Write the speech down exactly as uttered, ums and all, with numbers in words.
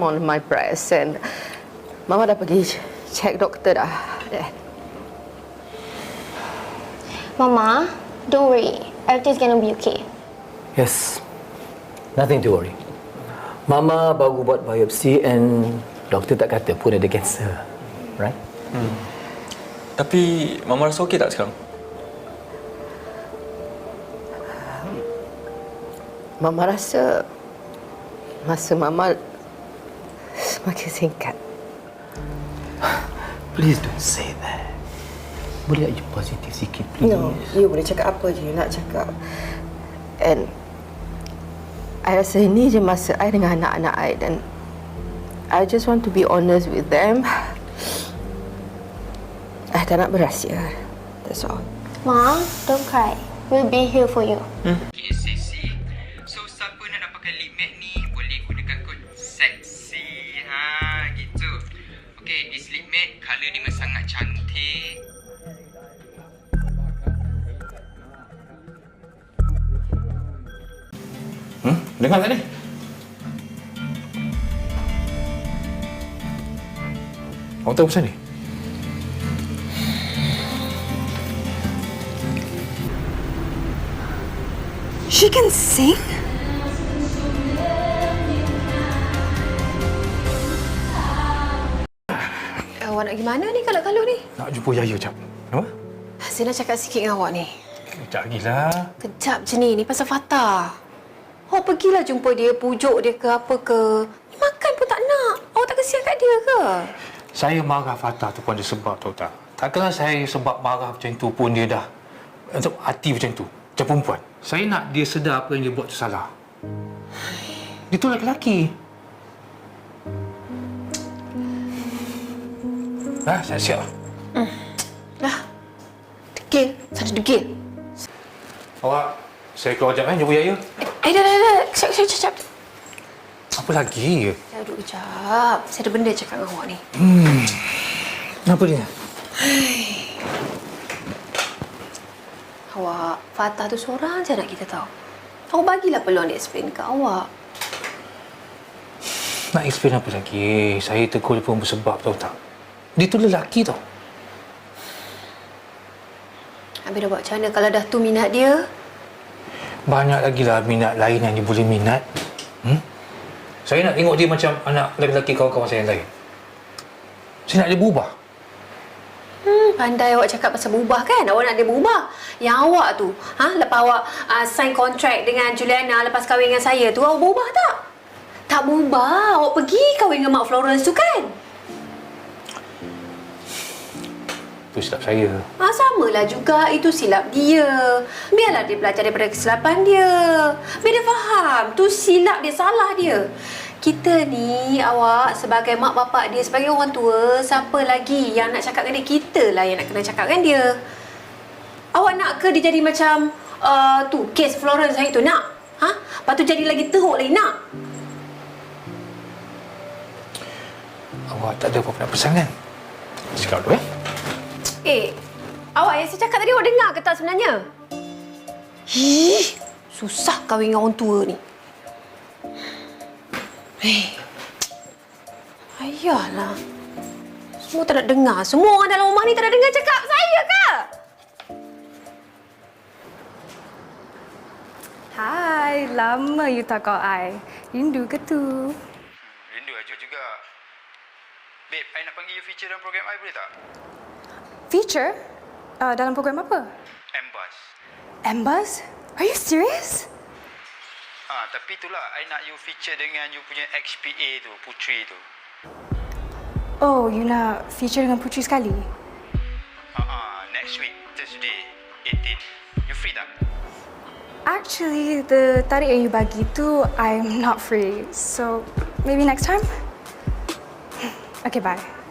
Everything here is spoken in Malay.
some on my breast and Mama dah pergi check doktor dah. Mama, don't worry. Everything's gonna be okay. Yes. Nothing to worry. Mama baru buat biopsi and doktor tak kata pun ada kanser. Right? Hmm. Tapi Mama rasa okey tak sekarang? Mama rasa masa Mama semakin singkat. Please don't say that. Boleh tak you positif sikit, please? No, you boleh cakap apa je you nak cakap. And I rasa ini je masa I dengan anak-anak I dan I just want to be honest with them. I tak nak berahsia. That's all. Mom, don't cry. We'll be here for you. Hmm? Okay, seksi. So, siapa nak dapatkan lip matte ni, boleh gunakan kod seksi. Ha, gitu. Okay, this lip matte, colour ni memang sangat cantik. Hmm? Dengar tak ni? Awak tahu pasal ni? She can sing? Awak nak gimana ni kalau-kalau ni? Nak jumpa Yaya, Cap. Apa? Saya nak cakap sikit dengan awak ni. Kejap lagi lah. Kejap je ni, ni pasal Fatah. Awak pergilah jumpa dia, pujuk dia ke apa ke. Ni makan pun tak nak. Awak tak kesian kat dia ke? Saya marah Fatah tu pun ada sebab, tahu tak? Takkanlah saya sebab marah macam tu pun dia dah untuk hati macam tu. Macam perempuan. Saya nak dia sedar apa yang dia buat tu salah. Dia tu lelaki. Dah, saya siap. Hmm. Dah. Degil. Saya degil. Awak, saya keluar sekejap kan, jumpa Yaya. Eh, dah, dah, dah. Kejap, kejap, kejap. Apa lagi? Saya duduk kejap. Saya ada benda cakap dengan awak ni. Hmm. Apa dia? Awak, Fatah tu seorang je nak kita tahu. Awak bagilah peluang dia explain kat awak. Nak explain apa lagi? Saya tegur dia pun bersebab, tahu tak? Dia tu lelaki tau. Habis dah buat macam mana kalau dah tu minat dia? Banyak lagi lah minat lain yang dia boleh minat. Hmm? Saya nak tengok dia macam anak lelaki kawan-kawan saya yang lain. Saya nak dia berubah. Hmm, pandai awak cakap pasal berubah kan? Awak nak dia berubah. Yang awak tu, ha, lepas awak uh, sign kontrak dengan Juliana lepas kahwin dengan saya tu, awak berubah tak? Tak berubah. Awak pergi kahwin dengan Mak Florence tu kan? Itu silap saya. Ha, samalah juga. Itu silap dia. Biarlah dia belajar daripada kesilapan dia. Biar dia faham. Tu silap dia, salah dia. Kita ni, awak sebagai mak bapak dia, sebagai orang tua, siapa lagi yang nak cakap dengan dia? Kita lah yang nak kena cakap dengan dia. Awak nak ke dia jadi macam uh, tu, kes Florence hari tu? Nak? Ha? Lepas tu jadi lagi teruk lagi? Nak? Awak tak ada apa-apa nak pesan kan? Cakap dulu eh. Eh, awak yang saya cakap tadi awak dengar ke tak sebenarnya? Ih, susah kahwin dengan orang tua ni. Eh, ayahlah. Semua tak nak dengar. Semua orang dalam rumah ni tak nak dengar cakap saya ke? Hai, lama you tak call I. Rindu ke tu? Rindu aja juga. Babe, I nak panggil you feature dalam program I boleh tak? Feature? Uh, dalam program apa? Ambas. Ambas? Are you serious? Ah, tapi itulah I nak you feature dengan you punya X P A tu, Putri tu. Oh, you nak feature dengan Putri sekali? Ah, uh-uh, next week, Thursday, eighteen. You free tak? Actually, the tarik yang you bagi tu, I'm not free. So, maybe next time? Okay, bye.